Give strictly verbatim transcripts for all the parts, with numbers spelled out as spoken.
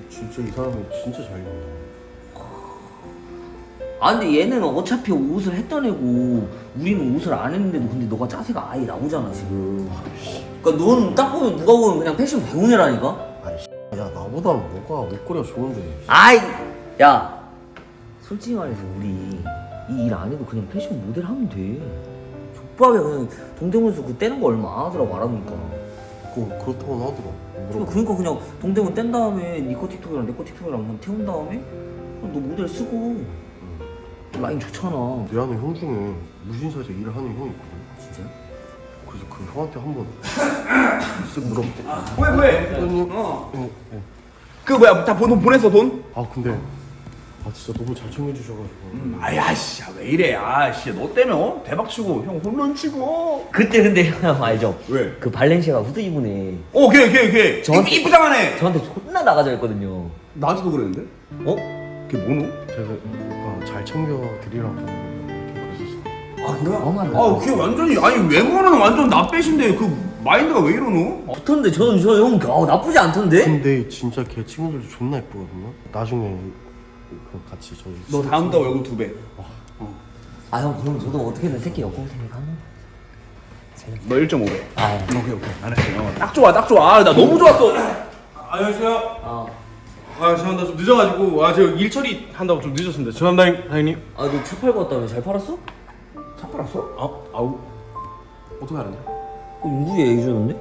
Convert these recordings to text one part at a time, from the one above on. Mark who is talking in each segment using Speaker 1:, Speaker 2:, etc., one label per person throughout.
Speaker 1: 진짜 이 사람은 진짜 잘 입는다.
Speaker 2: 아 근데 얘는 어차피 옷을 했던 애고 우리는 옷을 안 했는데도 근데 너가 짜세가 아예 나오잖아 지금. 그러니까 넌 딱 보면 누가 보면 그냥 패션 배운 애라니까?
Speaker 1: 아이 야 나보다 뭐가 옷걸이가 좋은데.
Speaker 2: 아이 야 솔직히 말해서 우리 이 일 안 해도 그냥 패션 모델 하면 돼. 족밥에 그냥 동대문에서 그 떼는 거 얼마 안 하더라고 알아보니까.
Speaker 1: 그거 그렇다고는 하더라.
Speaker 2: 그러니까, 그러니까 그냥 동대문 뗀 다음에 니꺼 틱톡이랑 내꺼 틱톡이랑 그냥 태운 다음에 그냥 너 모델 쓰고 라인 좋잖아.
Speaker 1: 내 아는 형 중에 무신사에서 일을 하는 형이 있거든.
Speaker 2: 진짜?
Speaker 1: 그래서 그 형한테 한번 쓱 물어볼게.
Speaker 3: 왜 왜?
Speaker 1: 형님.
Speaker 3: 어.
Speaker 1: 어, 어.
Speaker 3: 그 뭐야 다 돈 보냈어 돈?
Speaker 1: 아 근데 아 진짜 너무 잘 챙겨주셔가지고.
Speaker 3: 음, 아야씨 왜 이래 아씨 너 때문에 어? 대박 치고 형 홈런 치고.
Speaker 2: 그때 근데 형 알죠?
Speaker 3: 왜?
Speaker 2: 그 발렌시아가 후드 입은 애
Speaker 3: 어 걔 걔 걔.
Speaker 2: 저한테-
Speaker 3: 이쁘장하네.
Speaker 2: 저한테 존나 나가져 했거든요.
Speaker 3: 나한테도 그랬는데?
Speaker 2: 어?
Speaker 3: 걔 뭐노?
Speaker 1: 제가 아, 잘 챙겨드리라고 그랬었어.
Speaker 3: 아 그래?
Speaker 2: 엄한
Speaker 3: 아 걔 완전히 아니 외모는 완전 나빼신데 그 마인드가 왜 이러노?
Speaker 2: 좋던데 저는 저형 아, 나쁘지 않던데?
Speaker 1: 근데 진짜 걔 친구들도 존나 예쁘거든요. 나중에 그 같이 저희
Speaker 3: 너 다음 달 월급 두 배.
Speaker 2: 아 형 그럼 저도 어떻게든 새끼 여고생이니까 하는
Speaker 3: 너 일 점 오 배.
Speaker 2: 아
Speaker 3: 오케이 오케이 알았어요. 딱 좋아 딱 좋아. 아, 나 너무 좋았어.
Speaker 4: 안녕하세요.
Speaker 2: 아,
Speaker 4: 아 죄송합니다. 좀 늦어가지고 아 제가 일 처리 한다고 좀 늦었습니다. 죄송합니다 사장님.
Speaker 2: 아 너 차 팔고 왔다며 잘 팔았어?
Speaker 3: 차 팔았어?
Speaker 4: 아 아우 어떻게 알았냐?
Speaker 2: 어, 윤구이 얘기 주는데?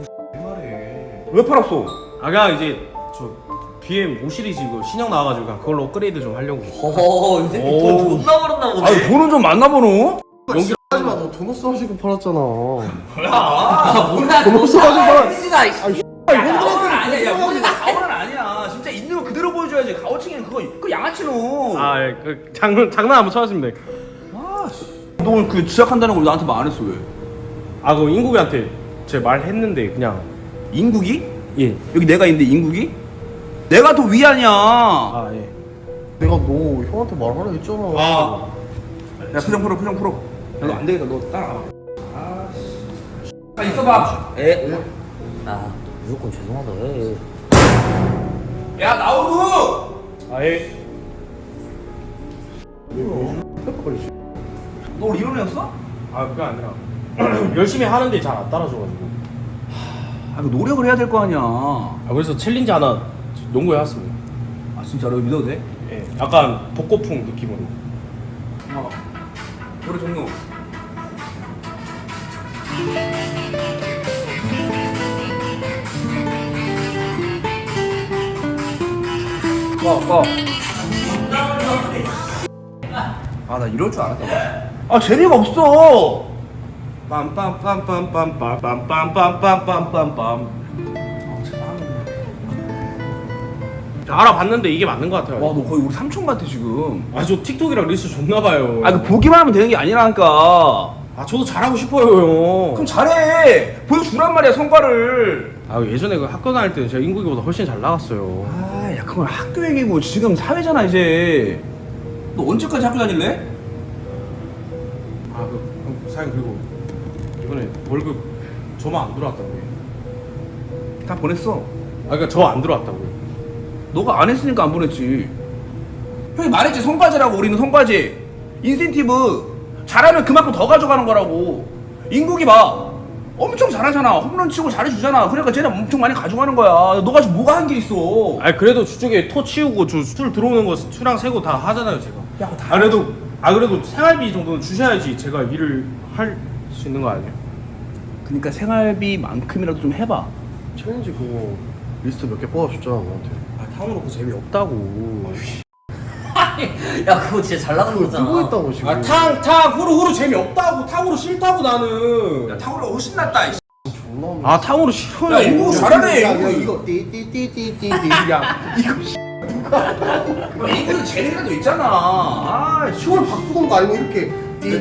Speaker 3: 왜 팔았어?
Speaker 4: 아 그냥 이제 저 비엠 오 시리즈 이거 신형 나와가지고 그냥 그걸로 업그레이드 좀 하려고.
Speaker 2: 허허 이 새끼
Speaker 4: 오.
Speaker 2: 돈 존나 벌었나 보네.
Speaker 3: 아니 돈은 좀 많나 보노?
Speaker 1: 연기 하지마. 너 돈 없어가지고 팔았잖아.
Speaker 2: 아 몰라
Speaker 1: 돈 없어가지고 팔았.
Speaker 3: 가오는 아니야 야 우리 가오는 아니야. 진짜 있는 거 그대로 보여줘야지. 가오칭이는 그거 그 양아치노.
Speaker 4: 아 예, 그 장난 장난 한번 쳐봤습니다.
Speaker 3: 너 오늘 그 지각한다는 걸 나한테 말 안 했어 왜?
Speaker 4: 아 그 인국이한테 제 말했는데 그냥
Speaker 3: 인국이?
Speaker 4: 예.
Speaker 3: 여기 내가 있는데 인국이? 내가 더 위 아니야.
Speaker 4: 아 예.
Speaker 1: 내가 너 형한테 말하라 했잖아.
Speaker 4: 아.
Speaker 3: 야 표정 풀어 표정 풀어. 야 너 안 되겠다 너 따라와. 아씨. 아 있어봐.
Speaker 2: 에? 아 무조건 죄송하다 해.
Speaker 3: 야 나오루.
Speaker 4: 아 예.
Speaker 3: 너 오늘 이런 애였어?
Speaker 4: 아 그게 아니라 열심히 하는데 잘 안 따라줘가지고.
Speaker 3: 아 그 노력을 해야 될 거 아니야.
Speaker 4: 아 그래서 챌린지 하나 연구해왔습니다.
Speaker 3: 아 진짜로 믿어도 돼?
Speaker 4: 예. 약간 복고풍 느낌으로.
Speaker 3: 어. 노래 종료. 와, 와. 아, 나 이럴 줄 알았다. 아, 재미가 없어.
Speaker 4: 빰빰빰빰빰빰빰빰빰빰빰빰. 알아봤는데 이게 맞는 것 같아요.
Speaker 3: 와, 너 거의 우리 삼촌 같아, 지금.
Speaker 4: 아 저 틱톡이랑 릴스 좋나 봐요.
Speaker 3: 아, 그 보기만 하면 되는 게 아니라니까.
Speaker 4: 아 저도 잘하고 싶어요 형.
Speaker 3: 그럼 잘해. 보여주란 말이야, 성과를.
Speaker 4: 아 예전에 그 학교 다닐 때는 제가 인국이보다 훨씬 잘 나갔어요.
Speaker 3: 아, 야, 그건 학교 얘기고 지금 사회잖아, 이제. 너 언제까지 학교 다닐래?
Speaker 4: 아그 사장님 그리고 이번에 월급 저만 안 들어왔다고요.
Speaker 3: 다 보냈어.
Speaker 4: 아 그러니까 저 안 들어왔다고요.
Speaker 3: 너가 안 했으니까 안 보냈지. 형이 말했지, 성과제라고. 우리는 성과제. 인센티브. 잘하면 그만큼 더 가져가는 거라고. 인국이 봐. 엄청 잘하잖아. 홈런 치고 잘해주잖아. 그러니까 쟤는 엄청 많이 가져가는 거야. 너가 지금 뭐가 한 게 있어.
Speaker 4: 아 그래도 저쪽에 토 치우고 저 술 들어오는 거 수랑 세고 다 하잖아요 제가.
Speaker 3: 야, 그거 다
Speaker 4: 아 그래도 아 그래도 생활비 정도는 주셔야지 제가 일을 할 수 있는 거 아니에요?
Speaker 3: 그러니까 생활비만큼이라도 좀 해봐.
Speaker 1: 챌린지 그거 리스트 몇 개 뽑아줬잖아 너한테.
Speaker 4: 아 탕으로 그 재미 없다고.
Speaker 2: 야 그거 진짜 잘 나가는
Speaker 1: 그거
Speaker 2: 거잖아.
Speaker 1: 뜨고 있다고 지금.
Speaker 4: 아탕탕 후루 후루 재미 없다고 탕으로 싫다고 나는.
Speaker 3: 야, 탕후루가 훨씬 낫다. 이
Speaker 1: 존나 없네.
Speaker 4: 아 탕으로 싫어요.
Speaker 3: 야, 인국 잘하네.
Speaker 1: 야, 야,
Speaker 3: 인국이.
Speaker 1: 이거 띠띠띠띠띠띠.
Speaker 3: 야, 이거 인국이 재능이라도 있잖아. 아,
Speaker 1: 시월 바꾸던 거 아니고 이렇게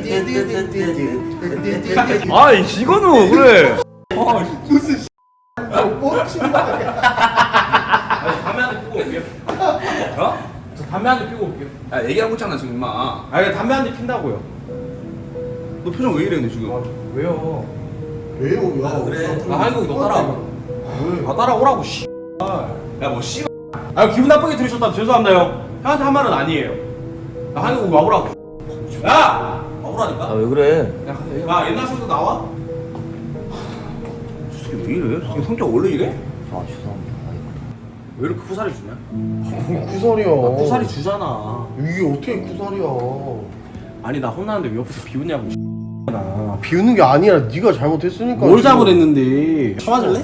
Speaker 1: 띠띠띠띠띠띠.
Speaker 3: 아, 이거는 그래.
Speaker 1: 무슨 뭐 치는 거 아니야?
Speaker 4: 아, 담배 한 대 피고 올게요.
Speaker 3: 어?
Speaker 4: 저 담배 한 대 피고 올게요.
Speaker 3: 야, 얘기하고 있잖아 지금 임마.
Speaker 4: 아 그냥 담배 한 대 핀다고요.
Speaker 3: 너 표정 왜 이래 근데 지금?
Speaker 4: 왜요?
Speaker 1: 왜요? 야,
Speaker 2: 그래.
Speaker 4: 아 한국이 너 따라와봐. 아 따라오라고 씨.
Speaker 3: 야, 뭐 씨.
Speaker 4: 아 기분 나쁘게 들으셨다면 죄송합니다 형. 형한테 한 말은 아니에요. 나 한국 와보라고. 야! 와보라니까?
Speaker 2: 아 왜 그래?
Speaker 4: 야, 야 옛날 친구 나와?
Speaker 3: 저 새끼 왜 이래? 저 새끼 성격 원래 이래?
Speaker 2: 아 죄송합니다. 아이고.
Speaker 4: 왜 이렇게 쿠사리 주냐?
Speaker 1: 구살이야.
Speaker 4: 나 쿠사리 주잖아.
Speaker 1: 이게 어떻게 구살이야?
Speaker 4: 아니 나 혼나는데 왜 옆에서 비웃냐고. 나.
Speaker 1: 비우는 게 아니라 네가 잘못했으니까.
Speaker 4: 뭘
Speaker 1: 지금.
Speaker 4: 잘못했는데? 쳐맞을래?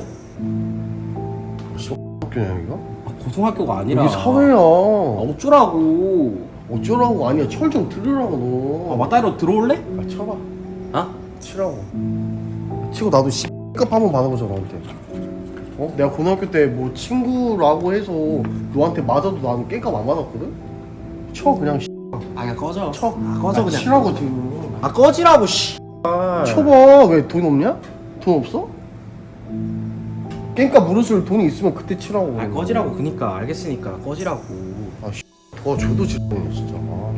Speaker 1: 학교냐 이거?
Speaker 4: 아, 고등학교가 아니라.
Speaker 1: 여기 사회야.
Speaker 4: 아, 어쩌라고?
Speaker 1: 어쩌라고 아니야. 철 좀 들으라고 너.
Speaker 4: 아 맞다이로 들어올래?
Speaker 1: 아, 쳐봐.
Speaker 4: 어?
Speaker 1: 치라고. 치고 나도 X값 한번 받아보자 너한테. 어? 내가 고등학교 때 뭐 친구라고 해서 너한테 맞아도 나는 깽값 안 받았거든? 쳐 그냥 X.
Speaker 4: 아 그냥 꺼져.
Speaker 1: 쳐.
Speaker 4: 아 꺼져
Speaker 1: 아,
Speaker 4: 그냥.
Speaker 1: 치라고 지금.
Speaker 4: 아 꺼지라고 씨.
Speaker 1: 쳐봐. 왜 돈 없냐? 돈 없어? 깽값 물으실 돈이 있으면 그때 치라고.
Speaker 4: 아 꺼지라고 그니까 알겠으니까 꺼지라고.
Speaker 1: 아 씨. 더 줘도 지르네 진짜. 아.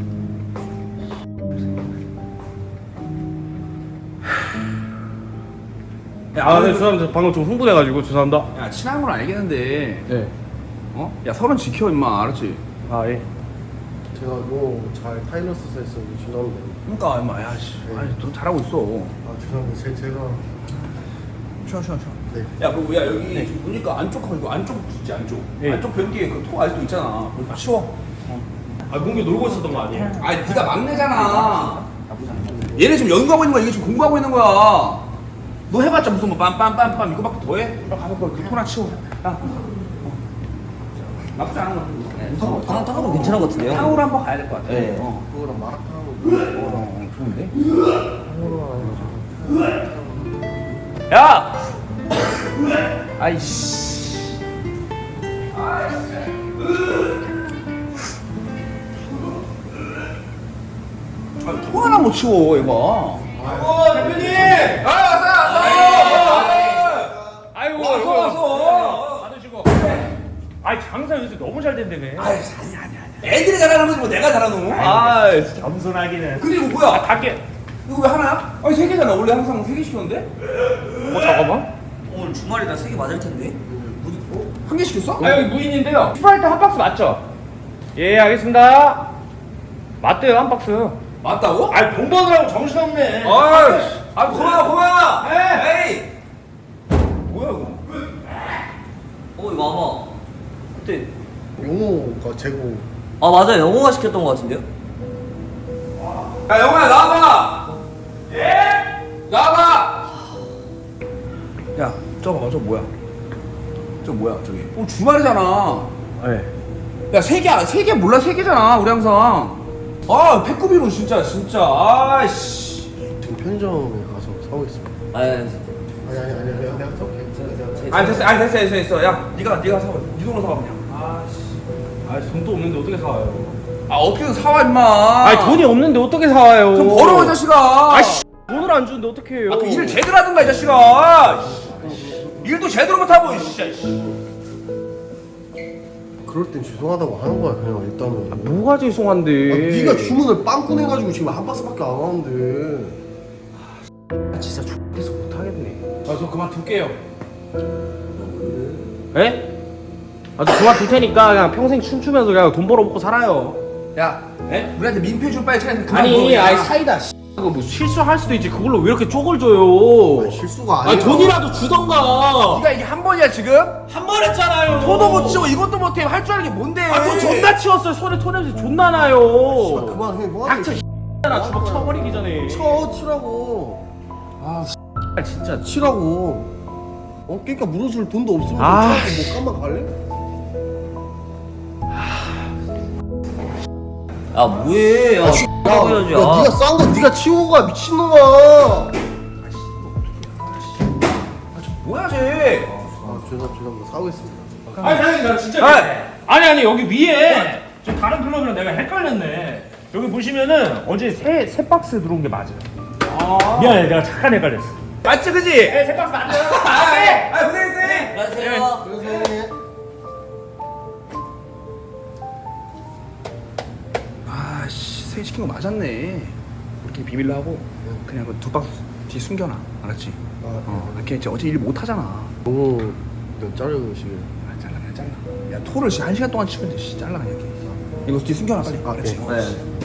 Speaker 4: 아, 네, 죄송합니다. 방금 좀 흥분해가지고 죄송합니다.
Speaker 3: 야 친한 건 알겠는데
Speaker 4: 네.
Speaker 3: 어? 야 서른 지켜 임마 알았지?
Speaker 4: 아 예.
Speaker 1: 제가 너무 잘 타이너스 했어요. 죄송합니다.
Speaker 3: 그러니까 임마 야씨 아니 너 잘하고 있어
Speaker 1: 아 죄송합니다. 제, 제가
Speaker 3: 쉬어 쉬어 쉬어
Speaker 1: 네.
Speaker 3: 야 그리고 야 여기 지금 보니까 안쪽하고 이거 안쪽 있지 안쪽
Speaker 4: 예.
Speaker 3: 안쪽 변기에 그토 아직도 있잖아 그거 다 치워
Speaker 4: 아 문규 놀고 있었던 거 아니에요?
Speaker 3: 아니 네가 막내잖아 얘네 지금 연구하고 있는 거야 이게 지금 공부하고 있는 거야 너 해봤자 무슨 뭐 빰빰빰빰 이거밖에 더해? 빨리 가서 그 토나 치워 야 어. 나쁘지 않은 거 같은데
Speaker 2: 탕 탕으로 괜찮은 것 같은데요?
Speaker 3: 탕후루 한번 가야 될 것 같아
Speaker 2: 네.
Speaker 3: 어.
Speaker 1: 그거랑 마라탕
Speaker 3: 어, 좋은데? 야! 아이씨. 아, 통 하나 못 치워, 얘가.
Speaker 4: 어 대표님!
Speaker 3: 아, 왔어, 왔어!
Speaker 4: 아이고
Speaker 3: 왔어, 왔어!
Speaker 4: 받으시고. 아이 장사 요새 너무 잘 된다며.
Speaker 3: 아이, 아니, 아니, 아니. 애들이 잘하는 거지, 뭐 내가 잘하는 거? 아,
Speaker 4: 겸손하기는.
Speaker 3: 그리고 뭐야?
Speaker 4: 아 닭게.
Speaker 3: 이거 왜 하나야? 아니, 세 개잖아. 원래 항상 세 개 시켰는데?
Speaker 4: 어 잠깐만.
Speaker 2: 오늘 주말이라 세 개 맞을 텐데.
Speaker 3: 한 개 시켰어?
Speaker 4: 아 여기 무인인데요. 스프라이트 한 박스 맞죠? 예 알겠습니다. 맞대요 한 박스.
Speaker 3: 맞다고?
Speaker 4: 아 돈 버느라고 정신없네.
Speaker 3: 아이, 아 고마워 고마워. 에이. 뭐야 이거?
Speaker 2: 어 이거 아마 그때
Speaker 1: 용호가 재고.
Speaker 2: 아 맞아 영호가 시켰던 것 같은데요?
Speaker 3: 야 영호야 나와봐. 예? 나와봐. 야, 저 봐봐 저 뭐야? 저 뭐야 저기? 어 주말이잖아.
Speaker 4: 네.
Speaker 3: 야 세 개, 세 개 몰라 세 개잖아 우리 항상. 아 패급이로 진짜 진짜 아이씨.
Speaker 1: 지금 편의점에 가서 사오겠습니다.
Speaker 2: 아
Speaker 1: 아니 아니 아니 내가 내가 사올게. 내가
Speaker 3: 아니 됐어, 아니 됐어 됐어 됐어. 야 네가 네가 사와. 네 돈으로 사와 그냥. 아씨.
Speaker 4: 아 돈도 없는데 어떻게 사와요?
Speaker 3: 아 어떻게든 사와 임마.
Speaker 4: 아 돈이 없는데 어떻게 사와요?
Speaker 3: 그럼 벌어 이 자식아.
Speaker 4: 아씨 돈을 안 주는데 어떻게 해요?
Speaker 3: 아, 그 일을 제대로 하든가 이 자식아. 일도 제대로 못하고 씨.
Speaker 1: 그럴 땐 죄송하다고 하는 거야 그냥 일단은. 아,
Speaker 4: 뭐가 죄송한데?
Speaker 1: 네가 주문을 빵 꺼내가지고 지금 한 박스밖에 안 하는데.
Speaker 4: 아, 진짜 X에서 못하겠네. 아 저 그만 둘게요. 에? 아 저 그만 둘 테니까 그냥 평생 춤추면서 그냥 돈 벌어 먹고 살아요.
Speaker 3: 야,
Speaker 4: 에?
Speaker 3: 우리한테 민폐 줄 바에 차라리 그만
Speaker 4: 아니
Speaker 3: 먹어,
Speaker 4: 아이
Speaker 3: 그냥.
Speaker 4: 사이다 씨. 그거 뭐 실수할 수도 있지 그걸로 왜 이렇게 쪽을 줘요?
Speaker 1: 아니, 실수가 아니야.
Speaker 4: 아니 돈이라도 주던가.
Speaker 3: 네가 이게 한 번이야 지금?
Speaker 4: 한 번 했잖아요.
Speaker 3: 토도 못 치고 이것도 못해 할 줄 아는 게 뭔데?
Speaker 4: 아저 존나 치웠어요. 손에 토냄새 존나 나요.
Speaker 1: 그만해 뭐.
Speaker 4: 닥쳐 나 주먹 쳐버리기 전에.
Speaker 1: 쳐 치라고.
Speaker 4: 아 진짜.
Speaker 1: 치라고. 어 그러니까 물어줄 돈도 없으면
Speaker 4: 아,
Speaker 1: 치라고 뭐 깜만 갈래?
Speaker 2: 야 뭐해? 야
Speaker 1: 야,
Speaker 2: X라고 해야지.
Speaker 1: 야,
Speaker 2: 아.
Speaker 1: 네가 싼 거 네가 치우고 가 미친놈아.
Speaker 3: 뭐야 쟤?
Speaker 1: 아 죄송 죄송합니다 사오겠습니다.
Speaker 4: 아니 사장님 나 진짜
Speaker 3: 아!
Speaker 4: 아니 아니 여기 위에 저 다른 클럽이랑 내가 헷갈렸네. 여기 보시면은 어제 세, 세 박스 들어온 게 맞아요.
Speaker 3: 아.
Speaker 4: 미안해 내가 잠깐 헷갈렸어.
Speaker 3: 맞지 그지?
Speaker 4: 네, 세 박스 맞아요.
Speaker 3: 아, 네. 아, 고생했어.
Speaker 2: 안녕하세요.
Speaker 1: 그래서
Speaker 3: 아, 씨, 세 시킨 거 맞았네. 우리끼리 비밀로 하고 그냥 그 두 박스 뒤에 숨겨놔. 알았지?
Speaker 1: 아,
Speaker 3: 어, 걔 이제 어제 일 못 하잖아.
Speaker 1: 너무 자르시길.
Speaker 3: 아, 잘라내. 잘라. 야 토를 씨 한 시간 동안 치면 돼. 씨 잘라 그냥. 이거 뒤 숨겨놔 빨리.
Speaker 1: 아,
Speaker 3: 그렇지.
Speaker 1: 네.
Speaker 2: 네.